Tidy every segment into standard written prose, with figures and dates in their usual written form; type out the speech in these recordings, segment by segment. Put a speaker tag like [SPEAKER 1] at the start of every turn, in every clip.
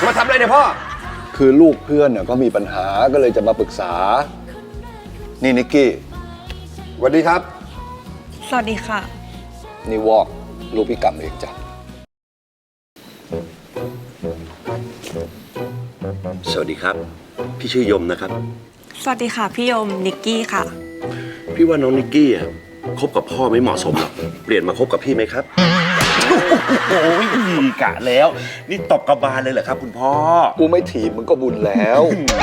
[SPEAKER 1] มาทำอะไรเนี่ยพ่อ
[SPEAKER 2] คือลูกเพื่อนก็มีปัญหาก็เลยจะมาปรึกษานี่นิกกี้
[SPEAKER 1] สวัสดีครับ
[SPEAKER 3] สวัสดีค่ะ
[SPEAKER 2] นี่วอกลูกพี่กัมเองจ้ะ
[SPEAKER 4] สวัสดีครับพี่ชื่อยมนะครับ
[SPEAKER 3] สวัสดีค่ะพี่ยมนิกกี้ค่ะ
[SPEAKER 4] พี่ว่าน้องนิกกี้คบกับพ่อไม่เหมาะสมหรอกเปลี่ยนมาคบกับพี่ไหมครับโอ้ยกะแล้วนี่ตบกระบาลเลยเหรอครับคุณพ่อ
[SPEAKER 2] กูไม่ถีบมึงก็บุญแล้ว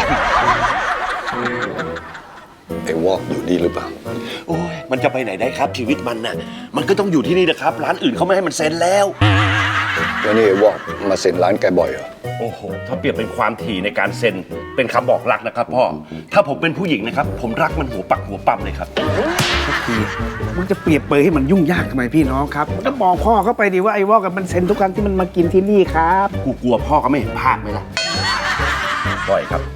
[SPEAKER 2] ไอ้วอกอยู่นี่หรือเปล่า
[SPEAKER 4] โอ้ยมันจะไปไหนได้ครับชีวิตมันน่ะมันก็ต้องอยู่ที่นี่นะครับร้านอื่นเขาไม่ให้มันเซ็นแล้ว
[SPEAKER 2] แล้วนี่ไอ้วอกมาเซ็นร้านแกบ่อยเหรอ
[SPEAKER 4] โอ้โหถ้าเปรียบเป็นความถี่ในการเซ็นเป็นคำบอกรักนะครับพ่อถ้าผมเป็นผู้หญิงนะครับผมรักมันหัวปักหัวปั๊มเลยครับ
[SPEAKER 5] มึงจะเปรียบเปรยให้มันยุ่งยากทำไมพี่น้องครับก็บอกพ่อเข้าไปดิว่าไอ้วอกกับมันเซ็นทุกครั้งที่มันมากินที่นี่ครับ
[SPEAKER 4] กูกลัวพ่อเขาไม่เห็นภาพไหมล่ะปล่อยครับ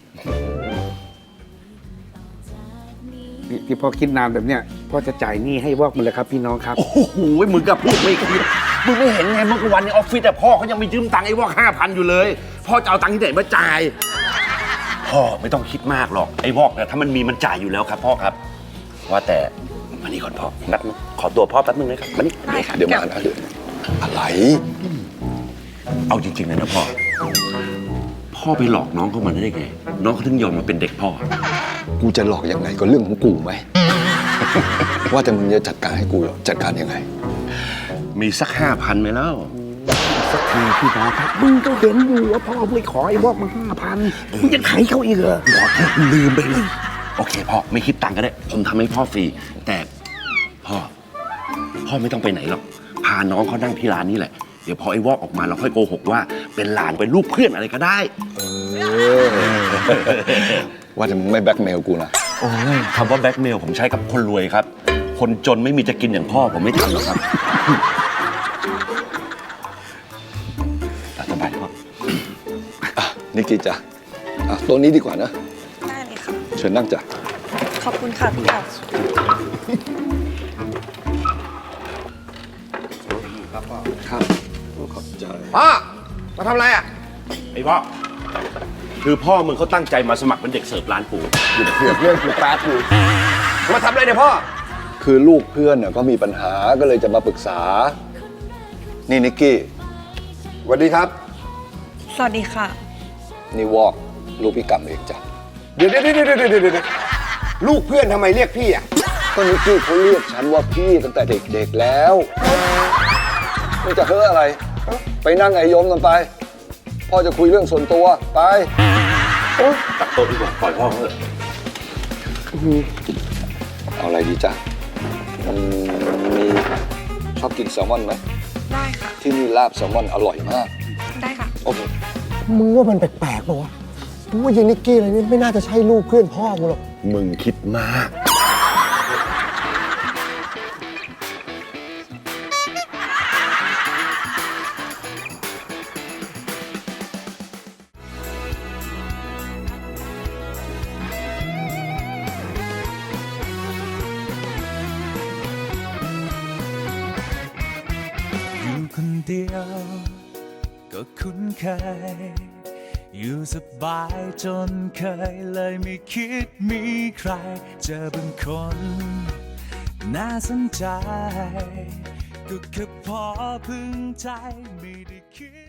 [SPEAKER 5] ที่พ่อคิดนานแบบเนี้ยพ่อจะจ่ายหนี้ให้วอกมันเลยครับพี่น้องครับ
[SPEAKER 4] โอ้โหมึงก็พูดไม่คิดมึงไม่เห็นไงเมื่อวันในออฟฟิศแต่พ่อเขายังไม่ยืมตังค์ไอ้วอก5,000อยู่เลยพ่อจะเอาตังค์ที่ไหนมาจ่ายพ่อไม่ต้องคิดมากหรอกไอ้วอกเนี่ยถ้ามันมีมันจ่ายอยู่แล้วครับพ่อครับว่าแต่มานี่ก่อนพ่อแป๊บนึงขอตัวพ่อแป๊บนึงนะครับมานี่
[SPEAKER 3] ได้ค่ะ
[SPEAKER 2] เดี๋ยวมานะเดี๋ยวอะไร
[SPEAKER 4] เอาจริงๆเลยนะพ่อไปหลอกน้องเขามาได้ไงน้องเขาถึงยอมมาเป็นเด็กพ่อ
[SPEAKER 2] กูจะหลอกยังไงก็เรื่องของกูไหม ว่าแต่มึงจะจัดการให้กูจัดการยังไง
[SPEAKER 4] มีสัก5,000ไหมแล้ว
[SPEAKER 5] สักทีพี่น้องครับมึงก็เห็นอยู่ว่าพ่อไปขอไอ้วอกมา5,000มึงจะไถเขาอีกเหรอ
[SPEAKER 4] ลืมไปเลยโอเคพ่อไม่คิดตังค์ก็ได้ผมทำให้พ่อฟรีแต่พ่อไม่ต้องไปไหนหรอกพาน้องเขานั่งที่ร้านนี้แหละเดี๋ยวพอไอ้วอกออกมาเราค่อยโกหกว่าเป็นหลานเป็นลูกเพื่อนอะไรก็ได้
[SPEAKER 2] ว่าแต่มึงไม่แบล็กเมลกูนะ
[SPEAKER 4] โอ้ยคำว่าแบล็กเมลผมใช้กับคนรวยครับคนจนไม่มีจะกินอย่างพ่อผมไม่ทำหรอกครับสบายพ่อ
[SPEAKER 2] นิกกี้จ้ะตัวนี้ดีกว่านะ
[SPEAKER 3] ได้เลยค่ะ
[SPEAKER 2] เชิญนั่งจ้ะ
[SPEAKER 3] ขอบคุณค่ะพี่กัม
[SPEAKER 2] ครับขอบใจ
[SPEAKER 1] พ่อมาทำอะไรอ่ะ
[SPEAKER 4] ไอ้พ่อคือพ่อมึงเขาตั้งใจมาสมัครเป็นเด็กเสิร์ฟร้านกู
[SPEAKER 2] หยุดเผือกเรื่องกูแป๊บกู
[SPEAKER 1] มาทำอะไรเนี่ยพ่อ
[SPEAKER 2] คือลูกเพื่อนก็มีปัญหาก็เลยจะมาปรึกษานี่นิกกี้
[SPEAKER 1] สวัสดีครับ
[SPEAKER 3] สวัสดีค่ะ
[SPEAKER 2] นี่วอกลูกพี่กัมเองจ้ะ
[SPEAKER 1] เดี๋ยวลูกเพื่อนทำไมเรียกพี่อ่ะ
[SPEAKER 2] ก็นิกกี้เขาเรียกฉันว่าพี่ตั้งแต่เด็กๆแล้วไม่จะเฮ้ออะไรไปนั่งไอ้ยมกันไปพ่อจะคุยเรื่องส่วนตัวไป
[SPEAKER 4] ตัดโต๊ะดีกว่าปล่อยพ่อเถอะ
[SPEAKER 2] เอาอะไรดีจ้ะมีชอบกินแซลมอนไหม
[SPEAKER 3] ได้ค่ะ
[SPEAKER 2] ที่นี่ลาบแซลมอนอร่อยมาก
[SPEAKER 3] ได้ค่ะ
[SPEAKER 2] โอเค
[SPEAKER 1] มึงว่ามันแปลกๆป่าวะมึงว่ายิงนิกกี้อะไรนี่ไม่น่าจะใช่ลูกเพื่อนพ่อมึงหรอก
[SPEAKER 4] มึงคิดมาก
[SPEAKER 6] คนเดียวก็คุ้นเคยอยู่สบายจนเคยเลยไม่คิดมีใครเจอบางคนน่าสนใจก็แค่พอพึงใจไม่ได้คิด